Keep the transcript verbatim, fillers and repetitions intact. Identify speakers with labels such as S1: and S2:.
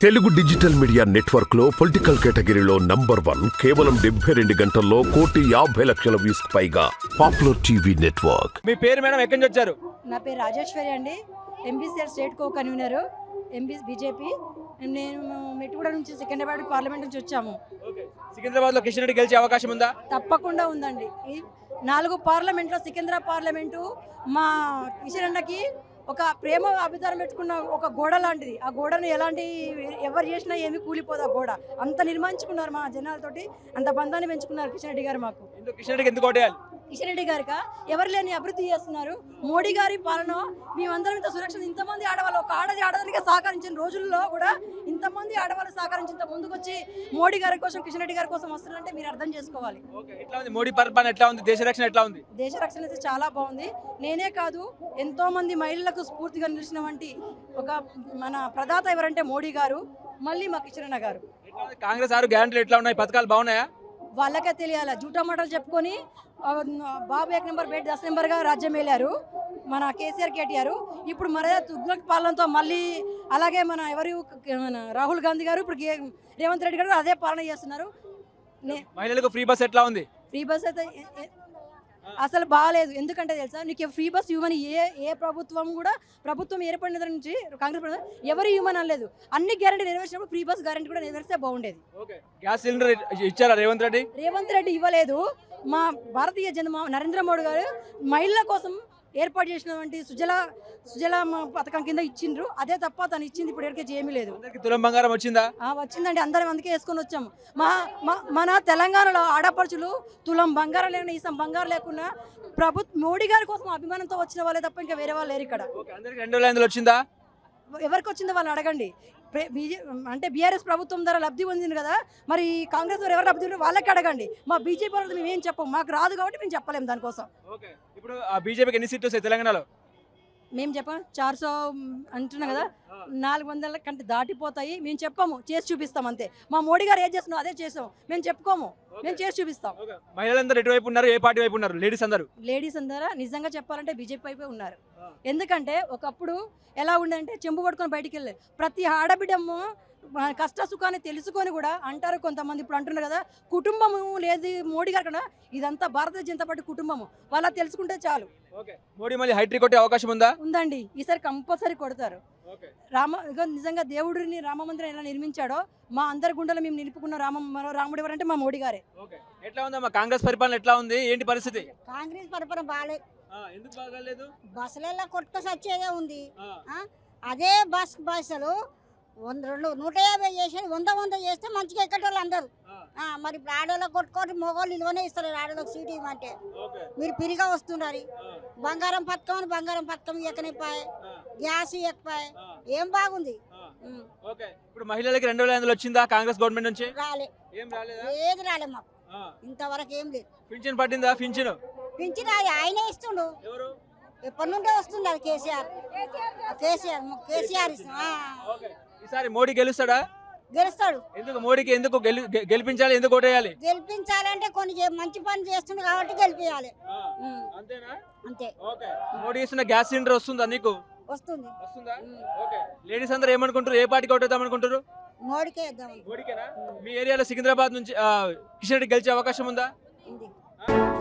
S1: Telugu digital media network లో political కేటగిరీలో number one కేవలం డెబ్బై రెండు గంటల్లో కోటి యాభై లక్షల వ్యూస్ పైగా పాపులర్ టీవీ నెట్వర్క్.
S2: మీ పేరు మేడం ఎక్కడి నుంచి వచ్చారు?
S3: నా పేరు రాజేశ్వరి అండి. MBCR state co convener MB BJP. నేను మెట్టుగూడ నుంచి సికింద్రాబాద్ పార్లమెంట్ నుంచి వచ్చాము.
S2: సికింద్రాబాద్ లో కిషన్ రెడ్డి గెలిచే అవకాశం ఉందా?
S3: తప్పకుండా ఉందండి. ఈ నాలుగు పార్లమెంట్లో సికింద్రాబాద్ పార్లమెంటు మా కిషన్ అన్నకి ఒక ప్రేమ అభిధానం పెట్టుకున్న ఒక గోడ లాంటిది. ఆ గోడను ఎలాంటి ఎవరు చేసినా ఏమి కూలిపోదు. ఆ గోడ అంత నిర్మించుకున్నారు మా జనాలతోటి, అంత బంధాన్ని పెంచుకున్నారు కిషన్ రెడ్డి గారు. మాకు
S2: కిషన్ రెడ్డికి ఎందుకు ఓటేయాలి?
S3: కిషన్ రెడ్డి గారిక ఎవరు లేని అభివృద్ధి చేస్తున్నారు. మోడీ గారి పాలన మేమందరం ఇంత సురక్షణ, ఇంతమంది ఆడవాళ్ళు ఒక ఆడది ఆడదానికి సహకరించిన రోజుల్లో కూడా ఇంతమంది ఆడవాళ్ళు సహకరించిన ముందుకు వచ్చి మోడీ గారి కోసం కిషన్ రెడ్డి గారి కోసం వస్తున్నారంటే మీరు అర్థం చేసుకోవాలి.
S2: ఎట్లా ఉంది మోడీ పరిపాలన? ఎట్లా ఉంది దేశ రక్షణ? ఎట్లా ఉంది
S3: దేశ రక్షణ అయితే చాలా బాగుంది. నేనే కాదు, ఎంతో మంది మహిళలకు స్ఫూర్తిగా నిలిచిన వంటి ఒక మన ప్రదాత ఎవరంటే మోడీ గారు, మళ్ళీ మా కిషన్ అన్న గారు.
S2: కాంగ్రెస్ ఆరు గ్యారంటీలు ఎట్లా ఉన్నాయి? పథకాలు బాగున్నాయా?
S3: వాళ్ళకే తెలియాలి. జూటా మాటలు చెప్పుకొని బాబు ఏక నెంబర్ బేట్ దశ నెంబర్గా రాజ్యం వెళ్ళారు మన కేసీఆర్ కేటీఆర్. ఇప్పుడు మరే తుగ్లక్ పాలనతో మళ్ళీ అలాగే మన ఎవరు మన రాహుల్ గాంధీ గారు, ఇప్పుడు రేవంత్ రెడ్డి గారు అదే పాలన చేస్తున్నారు.
S2: మహిళలకు ఫ్రీ బస్ ఎట్లా ఉంది?
S3: ఫ్రీ బస్ అయితే అసలు బాగాలేదు. ఎందుకంటే తెలుసా, నీకు ఫ్రీ బస్ ఇవ్వమని ఏ ఏ ప్రభుత్వం కూడా ప్రభుత్వం ఏర్పడిన నుంచి కాంగ్రెస్ ప్రభుత్వం ఎవరు ఇవ్వమని అనలేదు. అన్ని గ్యారెంటీ నెరవేర్చినప్పుడు ఫ్రీ బస్ గ్యారెంటీ కూడా నెరవేరిస్తే బాగుండేది.
S2: గ్యాస్ సిలిండర్ ఇచ్చారా రేవంత్ రెడ్డి?
S3: రేవంత్ రెడ్డి ఇవ్వలేదు. మా భారతీయ జనతా నరేంద్ర మోడీ గారు మహిళల కోసం ఏర్పాటు చేసినటువంటి సుజల సుజల పథకం కింద ఇచ్చిండ్రు. అదే తప్ప తను ఇచ్చింది ఇప్పుడు ఎక్కడికి ఏమీ లేదు.
S2: తులం బంగారం వచ్చిందా?
S3: వచ్చిందండి. అందరం అందుకే వేసుకొని వచ్చాము. మా మన తెలంగాణలో ఆడపడుచులు తులం బంగారం లేకుండా ఈసం బంగారం లేకుండా ప్రభుత్వ మోడీ గారి కోసం అభిమానంతో వచ్చిన వాళ్ళే తప్ప ఇంకా వేరే వాళ్ళు లేరు ఇక్కడ.
S2: రెండు వేల ఐదులో వచ్చిందా?
S3: ఎవరికి వచ్చిందో వాళ్ళని అడగండి. బీజే అంటే బీఆర్ఎస్ ప్రభుత్వం ద్వారా లబ్ధి పొందింది కదా, మరి కాంగ్రెస్ వారు ఎవరు లబ్ధి వాళ్ళకి అడగండి. మా బీజేపీ వాళ్ళు మేము ఏం చెప్పం, మాకు రాదు కాబట్టి మేము చెప్పలేము దానికోసం.
S2: ఇప్పుడు బీజేపీకి ఎన్ని సీట్లు వస్తాయి తెలంగాణలో?
S3: మేము చెప్పాం చార్ సో అంటున్నాం కదా, నాలుగు వందల కంటే దాటిపోతాయి. మేము చెప్పాము, చేసి చూపిస్తాం అంతే. మా మోడీ గారు ఏం చేస్తున్నాం అదే చేసాం, మేము చెప్పుకోము, మేము చేసి చూపిస్తాం.
S2: మహిళలందరూ ఎటువైపు ఉన్నారు? ఏ పార్టీ వైపు ఉన్నారు? లేడీస్ అందరూ
S3: లేడీస్ అందరూ నిజంగా చెప్పాలంటే బీజేపీ వైపే ఉన్నారు. ఎందుకంటే ఒకప్పుడు ఎలా ఉండేదంటే చెంబు పట్టుకొని బయటికి వెళ్ళలేదు. ప్రతి ఆడబిడ్డము కష్ట సుఖాన్ని తెలుసుకొని కూడా అంటారు కొంతమంది. ఇప్పుడు అంటున్నారు కదా కుటుంబము లేదు మోడీ గారు కన్నా, ఇదంతా భారతీయ జనతా పార్టీ కుటుంబము. వాళ్ళ తెలుసుకుంటే చాలు.
S2: మోడీ మళ్ళీ హైట్రిక్ కొట్టే అవకాశం ఉందా?
S3: ఉందండి. ఈసారి కంపల్సరీ కొడతారు. రామ నిజంగా దేవుడిని రామ మందిరం ఎలా నిర్మించాడో మా అందరి గుండెలు మేము నిలుపుకున్న రామ రాముడు ఎవరంటే మా మోడీ గారే.
S2: ఎట్లా ఉందమ్మా కాంగ్రెస్ పరిపాలన? ఎట్లా ఉంది? ఏంటి పరిస్థితి?
S4: కాంగ్రెస్ పరిపాలన బాగాలేదు.
S2: ఎందుకు బాగాలేదు?
S4: బస్సులలో కొట్టుకొని వచ్చేదే ఉంది. అదే బస్ బస్సులు వంద రెండు నూట యాభై చేసేది వంద వంద చేస్తే మంచిగా ఎక్కటోళ్ళు అందరు. మరి ఇప్పుడు ఆడోళ్ళకి కొట్టుకోటి మగవాళ్ళు ఇలువనే ఇస్తారు. ఆడోళ్ళకి సీట్ ఇవ్వమంటే మీరు పిరిగా వస్తున్నారు. బంగారం పథకం అని బంగారం పథకం ఎక్కనిపాయి, గ్యాస్ ఎక్కిపాయి, ఏం బాగుంది.
S2: ఇప్పుడు మహిళలకి రెండు వేల ఐదులో వచ్చిందా కాంగ్రెస్ గవర్నమెంట్ నుంచి?
S4: రాలే, ఏది రాలే మాకు ఇంతవరకు ఏం లేదు.
S2: పింఛన్ పట్టిందా? పింఛన్
S4: పింఛన్ ఆయనే ఇస్తుండు, ఎప్పటి నుండే వస్తుంది. అది కేసీఆర్ కేసీఆర్ కేసీఆర్
S2: ఈసారి మోడీ గెలుస్తాడా?
S4: గెలుస్తాడు.
S2: ఎందుకు మోడీకి ఎందుకు గెలిపించాలి? ఎందుకు ఓటేయాలి?
S4: గెలిపించాలంటే కొన్ని మంచి పని చేస్తుంది కాబట్టి గెలిపించాలి.
S2: అంతేనా?
S4: అంతే.
S2: మోడీ ఇస్తున్న గ్యాస్ సిలిండర్ వస్తుందా నీకు?
S4: వస్తుంది.
S2: వస్తుందా? లేడీస్ అందరూ ఏమనుకుంటారు? ఏ పార్టీకి ఓటేద్దాం అనుకుంటారు?
S4: మోడీకే ఇద్దాం.
S2: మోడీకేనా? మీ ఏరియాలో సికింద్రాబాద్ నుంచి కిషన్ రెడ్డి గెలిచే అవకాశం ఉందా?
S4: ఉంది.